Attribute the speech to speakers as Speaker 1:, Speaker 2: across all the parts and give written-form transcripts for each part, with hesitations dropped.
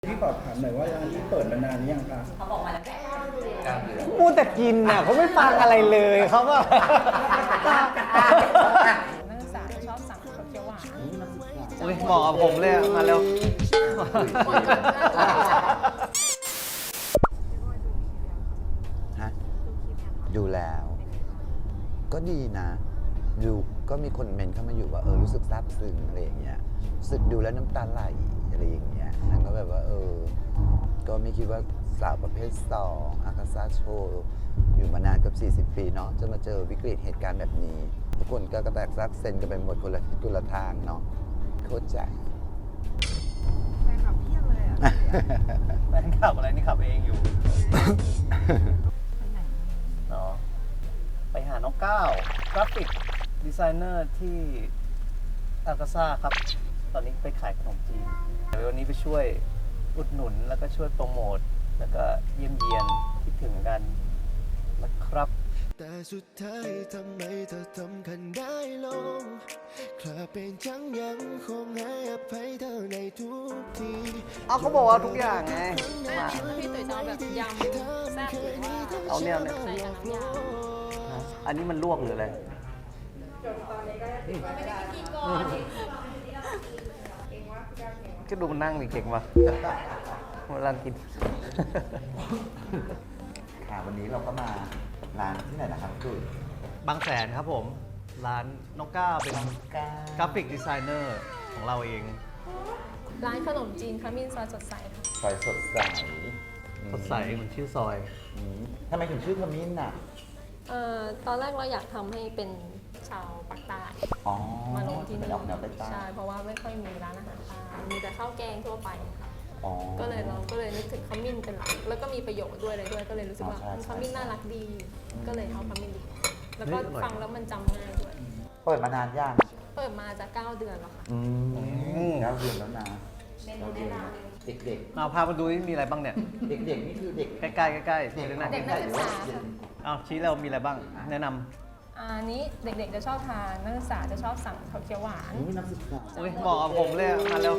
Speaker 1: พี่ขอถามหน่อยว่าร้านนี้เปิดมานานหรือยังคะ
Speaker 2: เขาบอกมาแล้ว
Speaker 3: มูแต่กินน่ะเขาไม่ฟังอะไรเลยเขาก็
Speaker 2: นักศึกษาจะชอบสั่งข้าวเขียวหวาน
Speaker 3: โอ้ยเหมาะกับผมเลยมาเร็ว
Speaker 4: ฮะดูแล้ว ก็ดีนะดูก็มีคนเมนเข้ามาอยู่ว่ารู้สึกซาบซึ้งอะไรอย่างเงี้ยรู้สึกดูแล้วน้ำตาไหลอะไรอย่างเงี้ยนั่นก็แบบว่าก็ไม่คิดว่าสาวประเภท2อากาซาโชว์อยู่มานานกับ40 ปีเนาะจะมาเจอวิกฤตเหตุการณ์แบบนี้ทุกคนก็กระแตกซักเซนกันไปหมดคนละทิศคนละทางเนาะเข้าใจ
Speaker 2: แฟนคลับเพียบเลยอ่ะ
Speaker 3: แฟนขับอะไรนี่ขับเองอยู่เนาะไปหาน้องก้าวกราฟิกดีไซเนอร์ที่อากาซ่าครับตอนนี้ไปขายขนมจีนเดี๋ยววันนี้ไปช่วยอุดหนุนแล้วก็ช่วยโปรโมทแล้วก็เยี่ยมเยียนคิดถึงกันนะครับ
Speaker 5: แต่สุดท้ายทำไมเธอทำกันได้ลงคลาเป็นจังยังคงให้อภัยเธอในทุกที
Speaker 3: เอาเขาบอกว่าทุกอย่างไงมา
Speaker 2: พี่ตุ๋ยจะเอาแบบยำแซ่บหรือว่า
Speaker 3: เอาเนี่ย
Speaker 2: ใส่กับน้ำยา
Speaker 3: อันนี้มันลวกหรืออะไรก็ดูมันนั่งดิเก่งว่ะเวลากิน
Speaker 4: ค่ะวันนี้เราก็มาร้านที่ไหนนะครับคุณ
Speaker 3: บางแสนครับผม ร้านน้องก้าวเป็นกราฟิกดีไซเนอร์ของเราเอง
Speaker 2: ร้านขนมจีนขมิ้นซอยสดใสค่ะ
Speaker 4: ซอยสดใส
Speaker 3: สดใสเหมือนชื่อซอย
Speaker 4: ทำไมถึงชื่อขมิ้นอ่ะ
Speaker 2: ตอนแรกเราอยากทำให้เป็นชาวปากใต้
Speaker 4: อ๋อ
Speaker 2: มาลงที่
Speaker 4: เป็
Speaker 2: นี่
Speaker 4: ออกแนวใต้
Speaker 2: ใช่เพราะว่าไม่ค่อยมีร้านอาหารใต้มีแต่ข้าวแกงทั่วไปค่ะ
Speaker 4: ๆอ๋อ
Speaker 2: ก็เลยเราก็เลยนึกถึงขมิ้นเป็นหลักแล้วก็มีประโยชน์ด้วยอะไรด้วยก็เลยรู้สึกว่า
Speaker 4: ใช่ใช่
Speaker 2: ขมิ้นน่ารักดี ก็เลยเอาขมิ้นดีแล้วก็
Speaker 3: เฮ้ยอร่อย
Speaker 2: ฟังแล้วมันจำง่ายด้วย
Speaker 4: เปิดมานานยัง
Speaker 2: เปิดมาจะ9 เดือนแล้วค่ะ
Speaker 4: แล้วเดือนแล้วนะเด็ก
Speaker 3: เอาพามาดูนี่มีอะไรบ้างเนี่ย
Speaker 4: ๆเด็กๆนี่คือเด็ก
Speaker 3: ใกล้ๆใกล้ๆ
Speaker 4: เด็ก
Speaker 3: เลยนะ
Speaker 2: เด็กนักศึกษา
Speaker 3: เอาชี้เรามีอะไรบ้าง แนะน
Speaker 2: อันนี้เด็กๆจะชอบทานนักศึกษาจะชอบสั่งข้าวเขียวหวาน
Speaker 4: นี่นักศึกษา
Speaker 3: ำโอ้ยเหมาะกับผมเลยมาเร็ว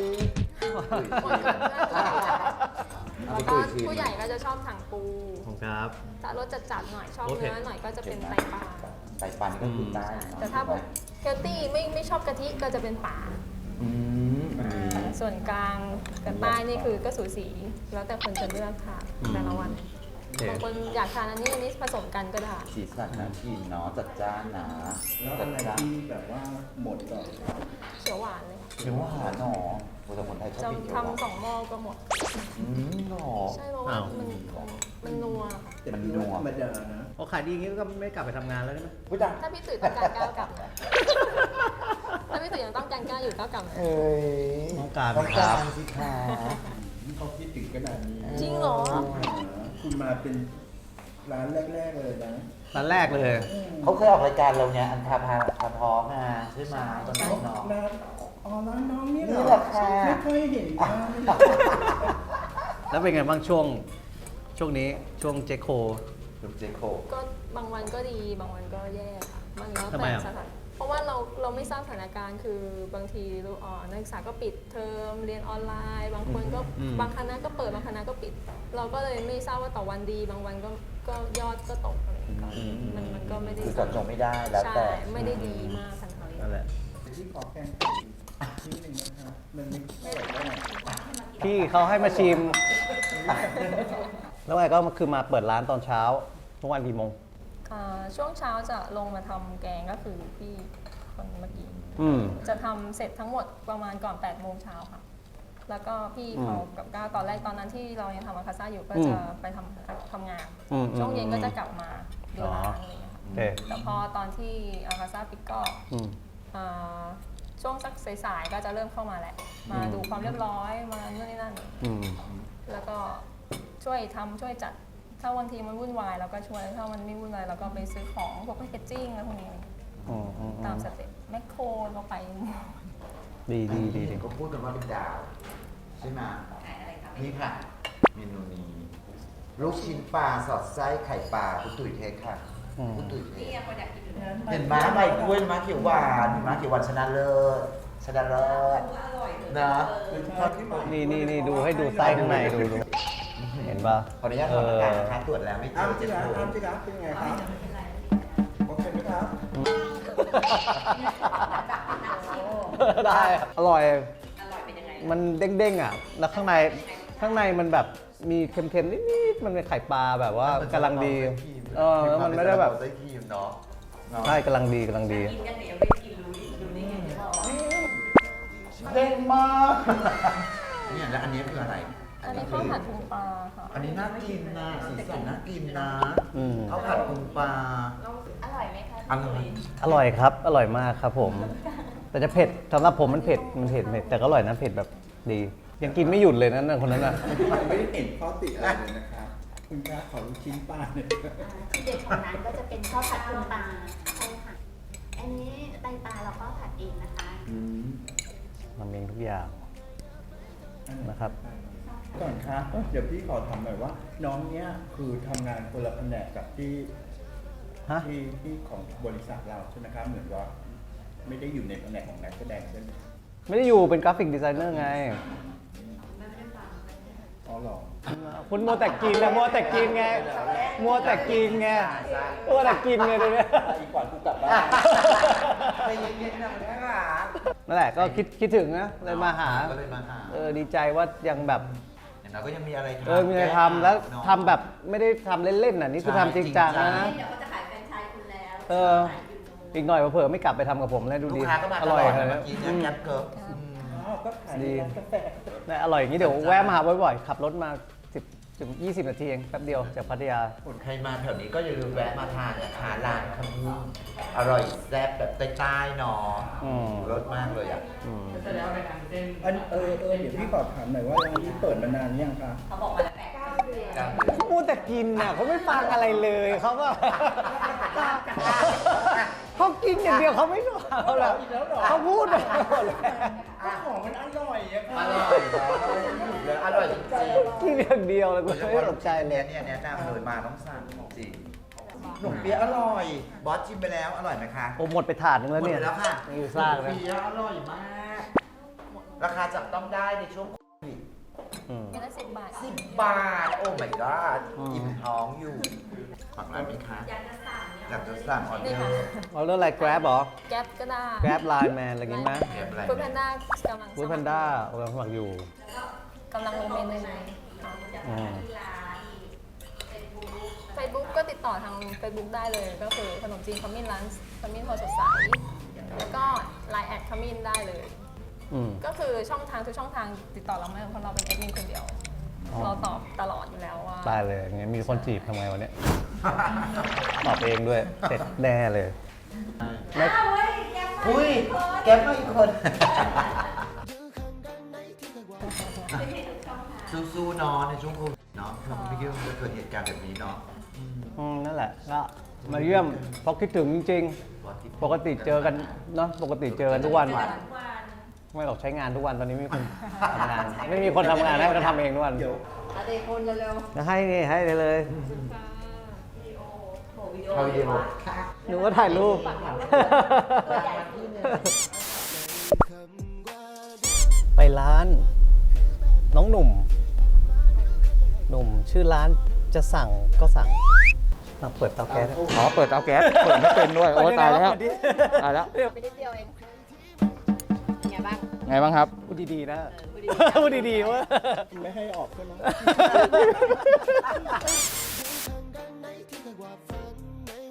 Speaker 2: แล้วก็ผู้ใหญ่ก็จะชอบสั่งปู
Speaker 3: ผมครับ
Speaker 2: ถ้ารสจัดๆหน่อยชอบ
Speaker 3: โอเค
Speaker 2: เนื้อหน่อยก็จะเป็นไตปลา
Speaker 4: ไต่ปันก็คือใต้
Speaker 2: แต่ถ้าพวกเฮลตี้ไม่ชอบกะทิก็จะเป็นป่า
Speaker 4: อืมอันนี้
Speaker 2: ส่วนกลางกับใต้นี่คือก็สูสีแล้วแต่คนจะเลือกค่ะแต่ละวัน
Speaker 3: โอเค
Speaker 2: บางคนอยากทานอันนี้ผสมกันก็ได้
Speaker 4: สีสันน่ากินเนาะจัดจ้านนะ
Speaker 1: แล้ว
Speaker 4: จั
Speaker 1: อะ
Speaker 4: ด
Speaker 1: ไร
Speaker 4: จ้าน
Speaker 1: ที่แบบว่าหมดก่อน
Speaker 2: เขียวหวานเลย
Speaker 4: เขียวหวานเนาะแต่คนไทยชอบ
Speaker 2: จะ
Speaker 4: กินเขียวหวาน
Speaker 2: ทำ2 หม้อก็หมด
Speaker 4: หรอ
Speaker 2: ใช่เพราะว่ามันนัว
Speaker 1: แต่พี่ว่าธรรมดานะ
Speaker 3: โอ้ขายดีอย่างนี้ก็ไม่กลับไปทำงานแล้วใช่ไหม
Speaker 4: พูดดัง
Speaker 2: ถ้าพี่ตุ๋ยต้องการก้าวกลับนะถ้าพี่ตุ๋ยยังต้องการก้าวอยู่ก้าวกลับนะ
Speaker 4: เอ้ย
Speaker 3: ต้องการ
Speaker 4: ต้อง
Speaker 3: ครั
Speaker 4: การ
Speaker 3: บ
Speaker 4: สิคะ
Speaker 1: เขาคิดถึงขนาดนี้
Speaker 2: จริงเหรอ
Speaker 1: คุณมาเป็นร้านแรกๆเลยนะ
Speaker 3: ร้านแรกเลย
Speaker 4: เขาเคยออกรายการเราเนี่ยอันคาพาท้องอ่ะใช่ไหมตอนนั้นเนาะ
Speaker 1: ร้านร้านน้องนี่เหร
Speaker 4: นี่
Speaker 1: อ
Speaker 4: แหละค่ะ
Speaker 1: ไม่ค่อยเห็นร้าน
Speaker 3: แล้วเป็นไงบ้างช่วงนี้ช่วงเจโค
Speaker 4: คุณเจโค
Speaker 2: ก็บางวันก็ดีบางวันก็แย่ค่ะมันแล้ว
Speaker 3: ทำไม
Speaker 2: แต่
Speaker 3: อ่ะ
Speaker 2: สถานเพราะว่าเราไม่ทราบสถานการณ์คือบางทีนักศึกษาก็ปิดเทอมเรียนออนไลน์ บางคนก็บางคณะก็เปิดบางคณะก็ปิด เราก็เลยไม่ทราบว่าต่อวันดี บางวันก็ยอดก็ตกอะไรอย่างเงี้ยมันก็ไม่ได้
Speaker 4: คือจำจงไม่ได้แล้ว
Speaker 2: ใช่
Speaker 4: แต่
Speaker 2: ไม่ได้ดีมากขนาดนี้
Speaker 3: นั่นแหละ
Speaker 1: ที่ขอแกงนิดนึงนะครับมันไม่อร่อยเท่าไหร่
Speaker 3: พี่เขาให้มาชิม แล้วไงก็คือมาเปิดร้านตอนเช้าทุกวันกี่โมง
Speaker 2: ช่วงเช้าจะลงมาทำแกงก็คือพี่คนเมื่อกี้ จะทำเสร็จทั้งหมดประมาณก่อน8 โมงเช้าค่ะ แล้วก็พี่เขากับก้าวตอนแรกตอนนั้นที่เรายังทำอาคาซ่าอยู่ก็จะไปทำงาน ช่วงเย็นก็จะกลับมาดูร้านอะไรอย่างเงี้ยค่ะ
Speaker 3: โอเค
Speaker 2: แต่พอตอนที่อาคาซ่าปิดก็ช่วงสักสายๆก็จะเริ่มเข้ามาแหละ มาดูความเรียบร้อยมานู่นนี่นั่น แล้วก็ช่วยทำช่วยจัด ถ้าวันทีมันวุ่นวายเราก็ช่วย ถ้ามันไม่วุ่นวายเราก็ไปซื้อของพวกแพคเกจจิ้งอะไรพวกนี้ตามสเต็ปแมคโครเราไป
Speaker 3: ดี
Speaker 4: ก็พูดกันว่าเป็นดาว ใช่ไหมนี่ค่ะ เมนูนี้ ลูกชิ้นปลาสอดไส้ไข่ปลาคุณตุ๋ยเทคค่ะคุณตุ๋ยเทคเห็นม้าใบกล้วยม้าเขียวหวานม้าเขียวหวานชนะเลิศชนะเลิศนะ
Speaker 3: นี่ดูให้ดูไส้ข้างในดูเห็นป่ะ
Speaker 4: ขออนุญาตทำอาการนะคะตรวจแล้วไม่เจ
Speaker 1: อ้าม
Speaker 4: อ
Speaker 1: จิ
Speaker 4: เจ็บ
Speaker 1: กา
Speaker 4: ปว
Speaker 1: อ้าม
Speaker 4: ด
Speaker 1: จิกาเป็นไงครับโอเคไหมครับ
Speaker 3: ได้อร่อยมันเด้งๆอ่ะแล้วข้างในมันแบบมีเค็มๆนิดๆมันเป็นไข่ปลาแบบว่ากำลังดีแล้วมันไม่ได้แบบ
Speaker 4: ไส้ครีมเนาะ
Speaker 3: ใช่กำลังดี
Speaker 4: เด้งมาก เนี่ยแล้วอันนี้คืออะไร
Speaker 2: อันนี้ข้าวผัดปูปลาค่ะ
Speaker 4: อันนี้น่ากินนะสีสันน่ากินนะ
Speaker 3: อืม
Speaker 4: ข้าวผัดปูปลา
Speaker 6: อร่อยไหมคะ
Speaker 4: อร่อย
Speaker 3: อร่อยครับอร่อยมากครับผม แต่จะเผ็ดสำหรับผมมันเผ็ดแต่ก็อร่อยนะเผ็ดแบบดี ยังกินไม่หยุดเลยนะคนนั้นน่ะ
Speaker 1: ไม่ได้เห็นข้อติอะไรเลยนะครับ คุณกล้าขอลูกชิ้นปลาเนี่ย
Speaker 6: ที่เด็ดของร้านก็จะเป็นข้าวผัดปูปลาใช่ค่ะ อันนี้ไตปลาเราก็ผัดเองนะคะ
Speaker 3: ทำเองทุกอย่างนะครับ
Speaker 1: ก่อนครับเดี๋ยวพี่ขอถามหน่อยว่า น้องเนี้ยคือทำงานคนละแผนกกับที่
Speaker 3: ฮะ
Speaker 1: ที่ของบริษัทเราใช่ไหมครับ เหมือนว่า ไม่ได้อยู่ในแผนกของนักแสดงใช่ไหม
Speaker 3: ไม่ได้อยู่เป็นกราฟิกดีไซเนอร์ไง
Speaker 1: อ๋อเหรอ
Speaker 3: คุณมัวแต่กินนะมัวแต่กินไงเดี๋ยวนี้
Speaker 1: อีกกว่ากูกลับบ้าน
Speaker 4: ใจเย็นๆนะคุณแม่ค่ะ
Speaker 3: นั่นแหละก็คิดถึงนะเลยมาหา
Speaker 4: ก็เลยมาหา
Speaker 3: ดีใจว่ายังแบบ
Speaker 4: อย่างน้อยก็ยังมีอะไรทำ
Speaker 3: มีอะไรทำแล้วทำแบบไม่ได้ทำเล่นๆน่ะนี่คือทำจริงจังนะ
Speaker 6: เดี๋ยวเขาจะขายแฟรนไชส์คุณแล้ว
Speaker 3: อีกหน่อยเผลอๆไม่กลับไปทำกับผมแล้วดู
Speaker 4: ลู
Speaker 3: ดี
Speaker 4: กค้าก็มา
Speaker 3: อ
Speaker 4: ต
Speaker 3: ร่
Speaker 4: ล
Speaker 3: อย
Speaker 4: อด
Speaker 3: เล
Speaker 4: นะ
Speaker 3: ย
Speaker 4: เมื่อกี้เนี่ยแก๊ปเกิร์ล
Speaker 1: อ๋อก็ขายในร้านกาแฟ
Speaker 3: ได้อร่อยอย่างนี้เดี๋ยวแวะมาหาบ่อยๆขับรถมา10 ถึง 20 นาทีเองแป๊บเดียวจากพัทยา
Speaker 4: ใครมาแถวนี้ก็อย่าลืมแวะมาทานนะคะร้านขมิ้นอร่อยแซ่บแบบใต้ๆเนาะ
Speaker 3: อืม
Speaker 4: รสมากเลยอ่ะ
Speaker 1: เดี๋ยวพี่ขอถามหน่อยว่าร้านนี้เปิดมานานยังคะ
Speaker 6: เขาบอกมาแล้ว9 เดือน
Speaker 3: เขาพูดแต่กินน่ะเขาไม่ฟังอะไรเลยเขาก็ เขากินอย่างเดียวเขาไม่ฟังเราหรอกเขาพูดไปหมดเลย
Speaker 1: ของมันอร่อยอะค่ะ
Speaker 4: อร่อยเนาะอร่อยจริง
Speaker 3: กินอย่างเดียวเลย
Speaker 4: ๆ
Speaker 3: กู
Speaker 4: โดยเฉ
Speaker 3: ไม่
Speaker 4: พาะ
Speaker 3: ส
Speaker 4: ลู
Speaker 3: น
Speaker 4: ก
Speaker 3: ใจ
Speaker 4: ชาย
Speaker 3: เล
Speaker 4: เนี่ย ยแนะนำเลยมาต้องสั่งจริงขนมเปี๊ยะอร่อย บอสชิมไปแล้วอร่อยไหมคะ
Speaker 3: โอ้หมดไปถาดนึงแล้วเนี่ย
Speaker 4: หมดไปแล้วค่ะ
Speaker 3: อยู่ซ่ากนะ
Speaker 4: ขนมเปี๊ยะอร่อยมาก ราคาจับต้องได้ในช่วงโควิด
Speaker 3: อืม
Speaker 2: เดือนละ10 บาท
Speaker 4: 10 บาท โอ้ my god อิ่มท้องอยู่ฝั่งร้านไหมคะอยากจะสั่งออเด
Speaker 2: นี่
Speaker 4: อ
Speaker 2: ค่ะ
Speaker 4: ร์
Speaker 3: เอาเรื่องอะไร Grab เหรอ
Speaker 2: แก๊ปก็ได้
Speaker 3: Grab Line Man อะไรอย่างงี้ไหม
Speaker 4: แอบอะไร
Speaker 2: ฟู้ดแพนด้ากำลัง
Speaker 3: ฟู้ดแพนด้ากำลังสมัครอยู่
Speaker 2: กำลังลงเมนูค่ะ
Speaker 3: อืม
Speaker 2: Facebook ก็ติดต่อทาง Facebook ได้เลย ก็คือขนมจีนขมิ้นร้านขมิ้นพอสดใสแล้วก็ Line แอดขมิ้นได้เลย
Speaker 3: อืม
Speaker 2: ก็คือช่องทางทุกช่องทางติดต่อเราไม่ได้เพราะเราเป็นแอดมินคนเดียว
Speaker 3: อ๋อ
Speaker 2: เราตอบตลอดอยู่แล้วว่า
Speaker 3: ได้เลยงั้นมีคนจีบทำไงวันนี้ ตอบเองด้วย เสร็จแน่เลยไม่
Speaker 4: อุ้ยแก๊ปมาอีกคนสู้ๆเนาะในช่วงโควิดเนาะเราไม่คิดว่ามันจะเกิดเหตุการณ์แบบนี้เนาะ
Speaker 3: นั่นแหละก็มาเยี่ยมเพราะคิดถึงจริงๆ ปกติเจอกันเนาะปกติเจอกันทุกวัน ไม่หรอกใช้งานทุกวันตอนนี้ไม่มีคนทำงาน ไม่มีคนทำงานให้ก็ทำเองทุกวัน
Speaker 1: เดี๋ยว
Speaker 3: จะให้นี่ให้เลย
Speaker 4: เอาวิดีโอ
Speaker 3: หนูก็ถ่ายรูป ไปร้าน น้องหนุ่ม ชื่อร้านจะสั่งก็สั่งมาเปิดเตาแก๊ส
Speaker 7: อ๋อ เปิดเตาแก๊ส เปิดไม่เป็นด้วย โอ้ตายแล้ว ตายแล้ว
Speaker 6: ไปนิดเดียวเองเป็นไงบ้าง
Speaker 7: ไงบ้างครับ
Speaker 3: พูดดีๆนะพูดดีๆว่า
Speaker 1: ไม่ให้ออกใช่ไหม